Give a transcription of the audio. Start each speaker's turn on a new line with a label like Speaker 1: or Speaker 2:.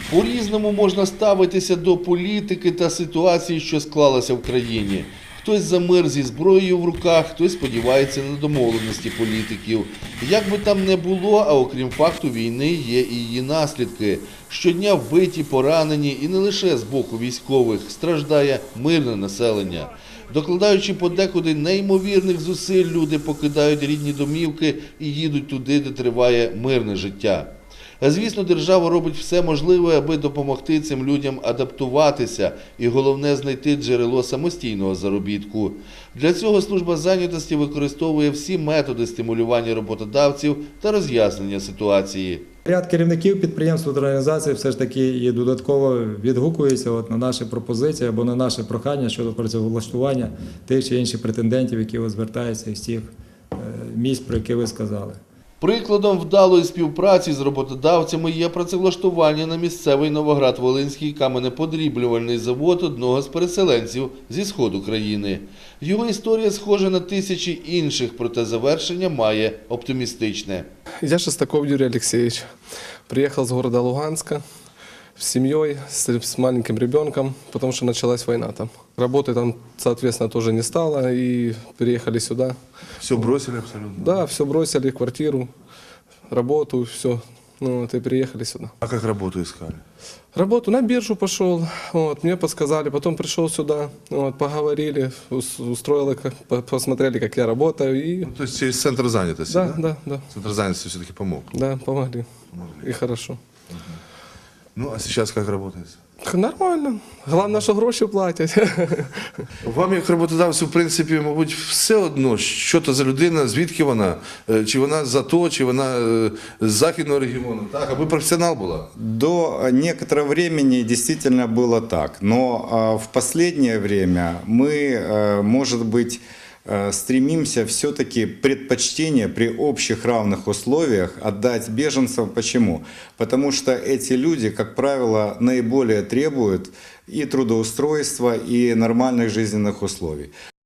Speaker 1: По-різному можна ставитися до політики та ситуації, що склалася в країні. Хтось за мир зі зброєю в руках, хтось сподівається на домовленості політиків. Як би там не було, а окрім факту війни є і її наслідки. Щодня вбиті, поранені і не лише з боку військових страждає мирне населення. Докладаючи подекуди неймовірних зусиль, люди покидають рідні домівки і їдуть туди, де триває мирне життя. Звісно, держава робить все можливе, аби допомогти цим людям адаптуватися і, головне, знайти джерело самостійного заробітку. Для цього служба зайнятості використовує всі методи стимулювання роботодавців та роз'яснення ситуації.
Speaker 2: Ряд керівників підприємств та організацій все ж таки і додатково відгукуються на наші пропозиції або на наше прохання щодо працевлаштування тих чи інших претендентів, які звертаються із тих місць, про які ви сказали.
Speaker 1: Прикладом вдалої співпраці з роботодавцями є працевлаштування на місцевий Новоград-Волинський каменеподріблювальний завод одного з переселенців зі сходу країни. Його історія схожа на тисячі інших, проте завершення має оптимістичне.
Speaker 3: Я Шестаков Юрий Алексеевич. Приехал с города Луганска с семьей, с маленьким ребенком, потому что началась война там. Работы там, соответственно, тоже не стало, и переехали сюда.
Speaker 4: Все бросили абсолютно?
Speaker 3: Да, все бросили, квартиру, работу, все. Ну, вот, и переехали сюда.
Speaker 4: А как работу искали?
Speaker 3: Работу на биржу пошел, вот, мне подсказали, потом пришел сюда, вот, поговорили, устроили, посмотрели, как я работаю. И...
Speaker 4: Ну, то есть через центр занятости,
Speaker 3: Да, да, да.
Speaker 4: Центр занятости все-таки помог?
Speaker 3: Да, помогли. И хорошо.
Speaker 4: Ну, а сейчас как работаете?
Speaker 3: Нормально. Головне, що гроші платять.
Speaker 4: Вам, як роботодавцю, в принципі, мабуть, все одно, що то за людина, звідки вона, чи вона з АТО, чи вона з Західного регіону, так? Аби професіонал була?
Speaker 5: До некоторого времени действительно было так, но в последнее время мы, может быть, стремимся все-таки предпочтение при общих равных условиях отдать беженцам. Почему? Потому что эти люди, как правило, наиболее требуют и трудоустройства, и нормальных жизненных условий.